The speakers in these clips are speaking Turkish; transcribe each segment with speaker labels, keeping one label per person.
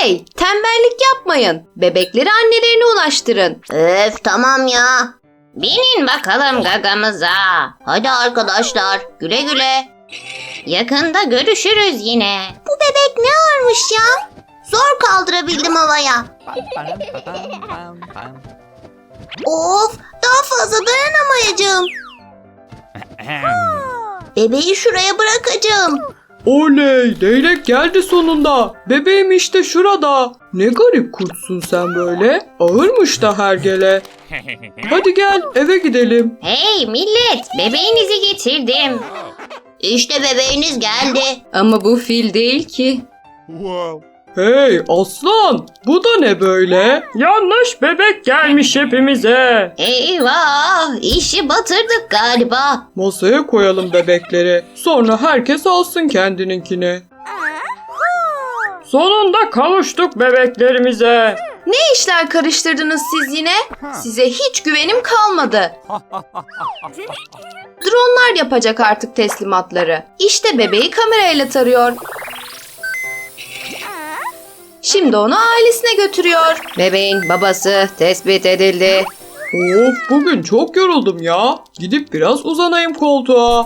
Speaker 1: Hey, tembellik yapmayın. Bebekleri annelerine ulaştırın.
Speaker 2: Öf tamam ya. Binin bakalım gagamıza. Hadi arkadaşlar güle güle. Yakında görüşürüz yine. Bu bebek ne ağırmış ya? Zor kaldırabildim havaya. Of daha fazla dayanamayacağım. Bebeği şuraya bırakacağım.
Speaker 3: Oley, leylek geldi sonunda. Bebeğim işte şurada. Ne garip kurtsun sen böyle. Ağırmış da hergele. Hadi gel eve gidelim.
Speaker 2: Hey millet bebeğinizi getirdim. İşte bebeğiniz geldi.
Speaker 1: Ama bu fil değil ki.
Speaker 3: Hey aslan, bu da ne böyle? Yanlış bebek gelmiş hepimize.
Speaker 2: Eyvah işi batırdık galiba.
Speaker 3: Masaya koyalım bebekleri. Sonra herkes alsın kendininkini. Sonunda kavuştuk bebeklerimize.
Speaker 1: Ne işler karıştırdınız siz yine? Size hiç güvenim kalmadı. Dronlar yapacak artık teslimatları. İşte bebeği kamerayla tarıyor. Şimdi onu ailesine götürüyor. Bebeğin babası tespit edildi.
Speaker 3: Of, bugün çok yoruldum ya. Gidip biraz uzanayım koltuğa.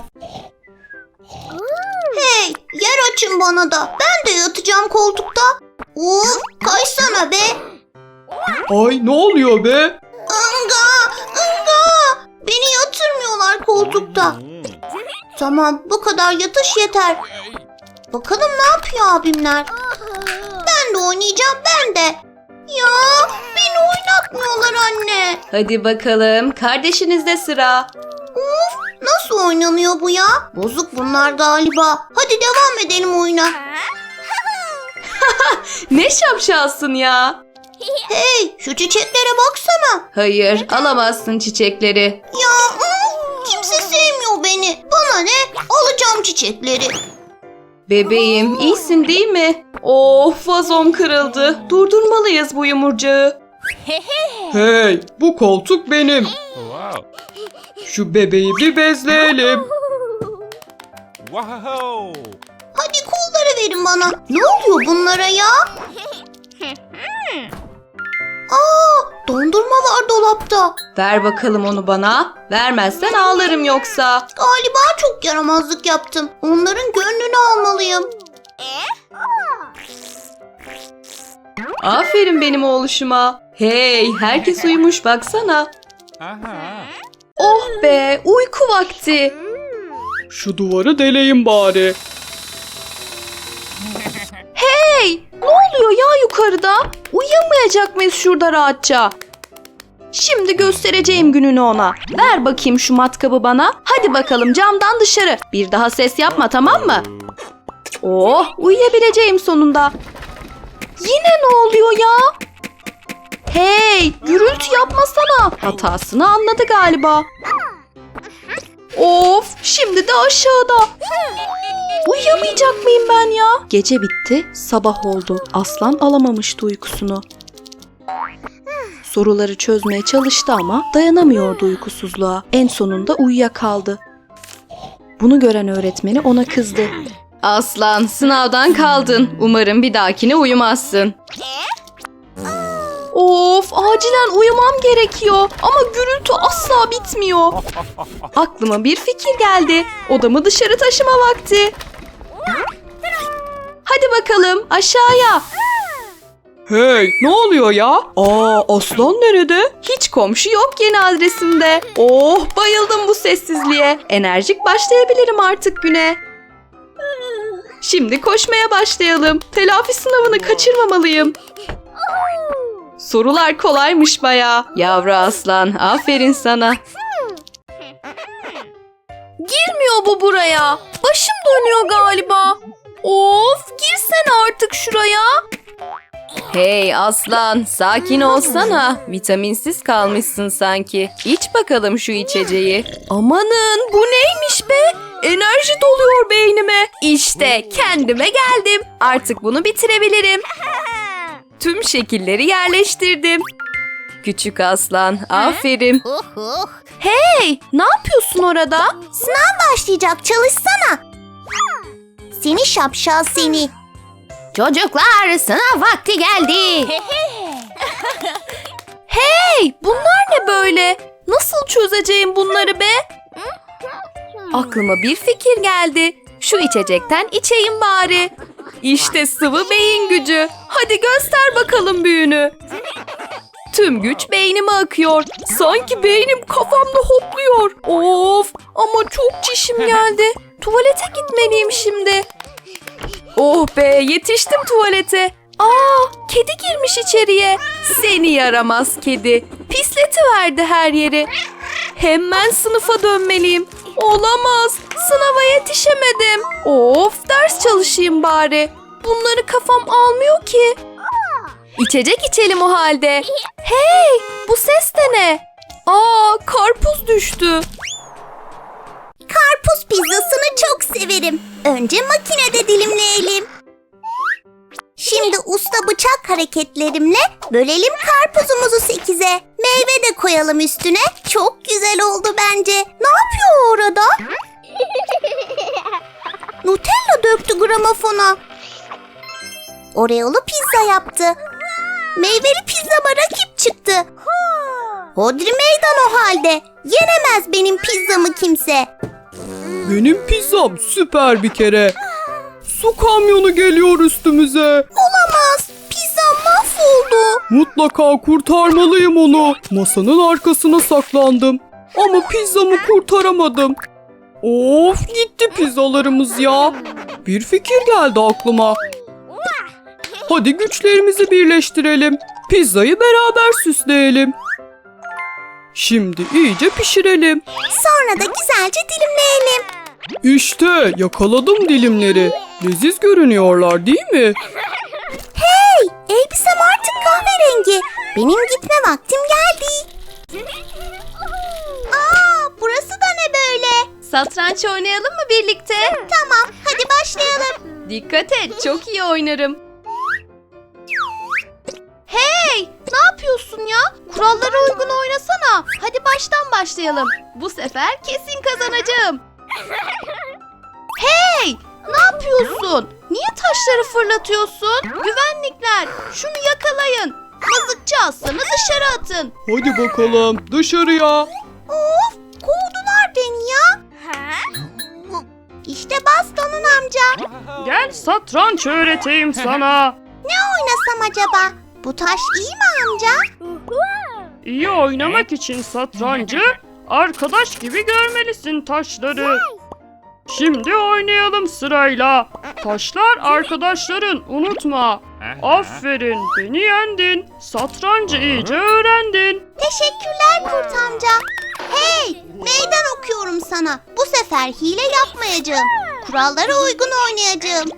Speaker 2: Hey yer açın bana da. Ben de yatacağım koltukta. Of kaysana be.
Speaker 3: Ay ne oluyor be?
Speaker 2: Inga! Inga! Beni yatırmıyorlar koltukta. Tamam bu kadar yatış yeter. Bakalım ne yapıyor abimler. Ben de oynayacağım ben de. Ya beni oynatmıyorlar anne.
Speaker 1: Hadi bakalım, kardeşinizde sıra.
Speaker 2: Nasıl oynanıyor bu ya? Bozuk bunlar galiba. Hadi devam edelim oyuna.
Speaker 1: Ne şapşalsın ya.
Speaker 2: Hey şu çiçeklere baksana.
Speaker 1: Hayır, alamazsın çiçekleri.
Speaker 2: Ya kimse sevmiyor beni. Bana ne? Alacağım çiçekleri.
Speaker 1: Bebeğim, iyisin değil mi? Of, vazom kırıldı. Durdurmalıyız bu yumurcağı.
Speaker 3: Hey, bu koltuk benim. Şu bebeği bir bezleyelim.
Speaker 2: Hadi kolları verin bana. Ne oluyor bunlara ya? Dondurma var dolapta.
Speaker 1: Ver bakalım onu bana. Vermezsen ağlarım yoksa.
Speaker 2: Galiba çok yaramazlık yaptım. Onların gönlünü almalıyım.
Speaker 1: Aferin benim oğluşuma. Hey, herkes uyumuş baksana. Oh be, uyku vakti.
Speaker 3: Şu duvarı deleyim bari.
Speaker 1: Hey, ne oluyor ya yukarıda? Uyuyamayacak mıyız şurada rahatça? Şimdi göstereceğim gününü ona. Ver bakayım şu matkabı bana. Hadi bakalım camdan dışarı. Bir daha ses yapma, tamam mı? Oh, uyuyabileceğim sonunda. Yine ne oluyor ya? Hey, gürültü yapmasana. Hatasını anladı galiba. Of, şimdi de aşağıda. Uyuyamayacak mıyım ben ya? Gece bitti, sabah oldu. Aslan alamamıştı uykusunu. Soruları çözmeye çalıştı ama dayanamıyordu uykusuzluğa. En sonunda uyuyakaldı. Bunu gören öğretmeni ona kızdı. Aslan, sınavdan kaldın. Umarım bir dahakine uyumazsın. Of, acilen uyumam gerekiyor. Ama gürültü asla bitmiyor. Aklıma bir fikir geldi. Odamı dışarı taşıma vakti. Hadi bakalım aşağıya.
Speaker 3: Hey, ne oluyor ya? Aslan nerede?
Speaker 1: Hiç komşu yok yeni adresimde. Oh, bayıldım bu sessizliğe. Enerjik başlayabilirim artık güne. Şimdi koşmaya başlayalım. Telafi sınavını kaçırmamalıyım. Sorular kolaymış bayağı. Yavru aslan, aferin sana. Girmiyor bu buraya. Başım dönüyor galiba. Of, girsene artık şuraya. Hey aslan, sakin olsana. Vitaminsiz kalmışsın sanki. İç bakalım şu içeceği. Amanın, bu neymiş be? Enerji doluyor beynime. İşte kendime geldim. Artık bunu bitirebilirim. Tüm şekilleri yerleştirdim. Küçük aslan, aferin. Hey, ne yapıyorsun orada?
Speaker 2: Sınav başlayacak çalışsana. Seni şapşal seni. Çocuklar, sınav vakti geldi.
Speaker 1: Hey, bunlar ne böyle? Nasıl çözeceğim bunları be? Aklıma bir fikir geldi. Şu içecekten içeyim bari. İşte sıvı beyin gücü. Hadi göster bakalım büyünü. Tüm güç beynime akıyor. Sanki beynim kafamda hopluyor. Of, ama çok çişim geldi. Tuvalete gitmeliyim şimdi. Oh be, yetiştim tuvalete. Aa, kedi girmiş içeriye. Seni yaramaz kedi. Pisletiverdi her yeri. Hemen sınıfa dönmeliyim. Olamaz. Sınava yetişemedim. Of, ders çalışayım bari. Bunları kafam almıyor ki. İçecek içelim o halde. Hey, bu ses de ne? Aa, karpuz düştü.
Speaker 4: Karpuz pizzasını çok severim. Önce makinede dilimleyelim. Şimdi usta bıçak hareketlerimle bölelim karpuzumuzu 8'e. Meyve de koyalım üstüne. Çok güzel oldu bence. Ne yapıyor orada? Nutella döktü gramofona. Oreo'lu pizza yaptı. Meyveli pizzama rakip çıktı. Hodri meydan o halde. Yenemez benim pizzamı kimse.
Speaker 3: Benim pizzam süper bir kere. Su kamyonu geliyor üstümüze.
Speaker 4: Olamaz. Pizzam mahvoldu.
Speaker 3: Mutlaka kurtarmalıyım onu. Masanın arkasına saklandım. Ama pizzamı kurtaramadım. Of, gitti pizzalarımız ya. Bir fikir geldi aklıma. Hadi güçlerimizi birleştirelim. Pizzayı beraber süsleyelim. Şimdi iyice pişirelim.
Speaker 4: Sonra da güzelce dilimleyelim.
Speaker 3: İşte yakaladım dilimleri. Leziz görünüyorlar değil mi?
Speaker 4: Hey, elbisem artık kahverengi. Benim gitme vaktim geldi. Aa, burası da ne böyle?
Speaker 1: Satranç oynayalım mı birlikte?
Speaker 4: Tamam, hadi başlayalım.
Speaker 1: Dikkat et, çok iyi oynarım. Hey, ne yapıyorsun ya? Kurallara uygun oynasana. Hadi baştan başlayalım. Bu sefer kesin kazanacağım. Hey, ne yapıyorsun? Niye taşları fırlatıyorsun? Güvenlikler, şunu yakalayın. Mızıkçı aslanı dışarı atın.
Speaker 3: Hadi bakalım dışarıya.
Speaker 4: Of, kovdular beni ya. İşte bastonun amca.
Speaker 5: Gel satranç öğreteyim sana.
Speaker 4: Ne oynasam acaba? Bu taş iyi mi amca?
Speaker 5: İyi oynamak için satrancı arkadaş gibi görmelisin taşları. Şimdi oynayalım sırayla. Taşlar arkadaşların, unutma. Aferin, beni yendin. Satrancı iyice öğrendin.
Speaker 4: Teşekkürler kurt amca. Hey, meydan okuyorum sana. Bu sefer hile yapmayacağım. Kurallara uygun oynayacağım.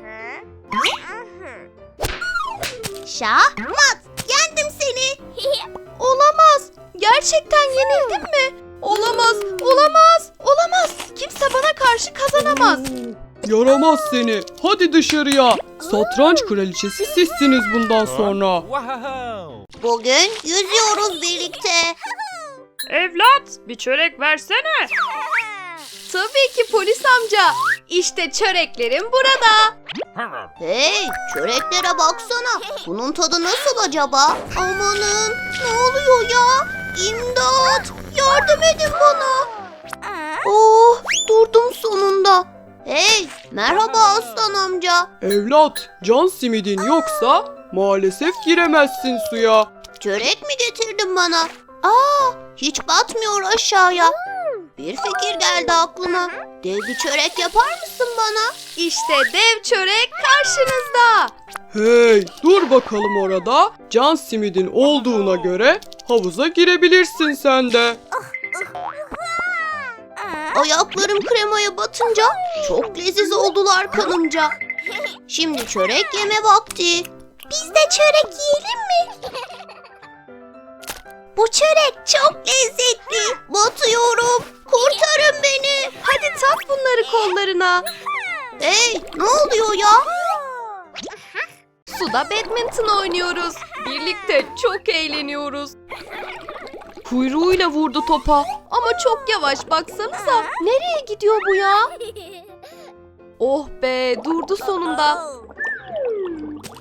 Speaker 4: Şah, mat. Yendim seni.
Speaker 1: Olamaz. Gerçekten yenildim mi? Olamaz, olamaz, olamaz. Kimse bana karşı kazanamaz.
Speaker 3: Yaramaz seni. Hadi dışarıya. Satranç kraliçesi sizsiniz bundan sonra.
Speaker 4: Bugün yüzüyoruz birlikte.
Speaker 5: Evlat, bir çörek versene.
Speaker 1: Tabii ki polis amca. İşte çöreklerim burada.
Speaker 4: Hey, çöreklere baksana. Bunun tadı nasıl acaba? Amanın, ne oluyor ya? İmdat, yardım edin bana. Oh, durdum sonunda. Hey, merhaba aslan amca.
Speaker 3: Evlat, can simidin yoksa maalesef giremezsin suya.
Speaker 4: Çörek mi getirdin bana? Aa, hiç batmıyor aşağıya. Bir fikir geldi aklıma. Dev bir çörek yapar mısın bana?
Speaker 1: İşte dev çörek karşınızda.
Speaker 3: Hey, dur bakalım orada. Can simidin olduğuna göre havuza girebilirsin sen de.
Speaker 4: Ayaklarım kremaya batınca çok leziz oldular kanımca. Şimdi çörek yeme vakti. Biz de çörek yiyelim mi? Bu çörek çok lezzetli. Batıyorum. Kurtarın beni.
Speaker 1: Hadi tak bunları kollarına.
Speaker 4: Hey, ne oluyor ya?
Speaker 1: Suda badminton oynuyoruz. Birlikte çok eğleniyoruz. Kuyruğuyla vurdu topa. Ama çok yavaş, baksanıza. Nereye gidiyor bu ya? Oh be, durdu sonunda.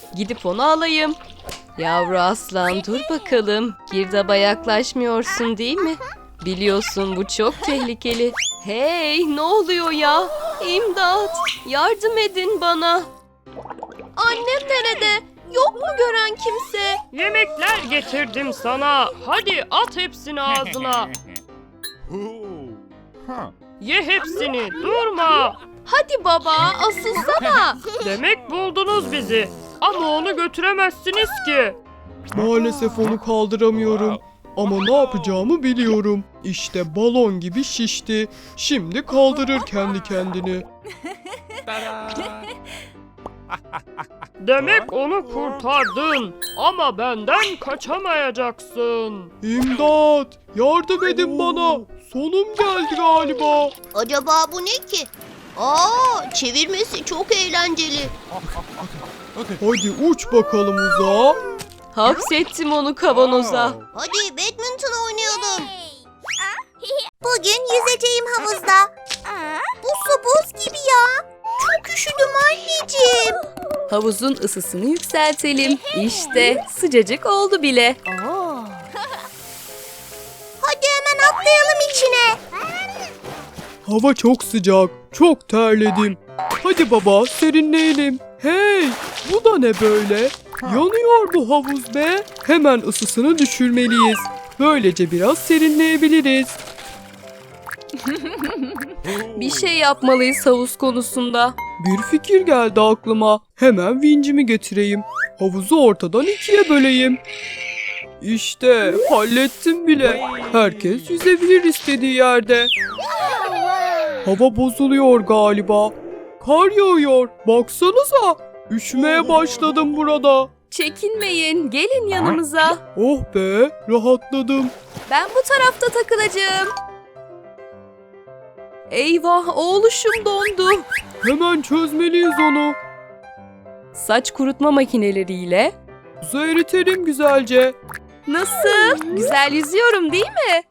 Speaker 1: Gidip onu alayım. Yavru aslan dur bakalım. Girdaba yaklaşmıyorsun değil mi? Biliyorsun bu çok tehlikeli. Hey ne oluyor ya? İmdat! Yardım edin bana. Annem nerede? Yok mu gören kimse?
Speaker 5: Yemekler getirdim sana. Hadi at hepsini ağzına. Ye hepsini, durma.
Speaker 1: Hadi baba asılsana.
Speaker 5: Demek buldunuz bizi. Ama onu götüremezsiniz ki.
Speaker 3: Maalesef onu kaldıramıyorum. Ama ne yapacağımı biliyorum. İşte balon gibi şişti. Şimdi kaldırır kendi kendini.
Speaker 5: Demek onu kurtardın. Ama benden kaçamayacaksın.
Speaker 3: İmdat! Yardım edin bana. Sonum geldi galiba.
Speaker 4: Acaba bu ne ki? Aa, çevirmesi çok eğlenceli.
Speaker 3: Hadi uç bakalım uzağa.
Speaker 1: Hapsettim onu kavanoza.
Speaker 4: Hadi badminton oynayalım. Bugün yüzeceğim havuzda. Bu su buz gibi ya. Çok üşüdüm anneciğim.
Speaker 1: Havuzun ısısını yükseltelim. İşte sıcacık oldu bile.
Speaker 4: Hadi hemen atlayalım içine.
Speaker 3: Hava çok sıcak. Çok terledim. Hadi baba serinleyelim. Hey! Bu da ne böyle? Yanıyor bu havuz be. Hemen ısısını düşürmeliyiz. Böylece biraz serinleyebiliriz.
Speaker 1: Bir şey yapmalıyız havuz konusunda.
Speaker 3: Bir fikir geldi aklıma. Hemen vincimi getireyim. Havuzu ortadan ikiye böleyim. İşte hallettim bile. Herkes yüzebilir istediği yerde. Hava bozuluyor galiba. Kar yağıyor. Baksanıza. Üşümeye başladım burada.
Speaker 1: Çekinmeyin, gelin yanımıza.
Speaker 3: Oh be, rahatladım.
Speaker 1: Ben bu tarafta takılacağım. Eyvah, oğluşum dondu.
Speaker 3: Hemen çözmeliyiz onu.
Speaker 1: Saç kurutma makineleriyle.
Speaker 3: Buzu eritelim güzelce.
Speaker 1: Nasıl? Güzel yüzüyorum değil mi?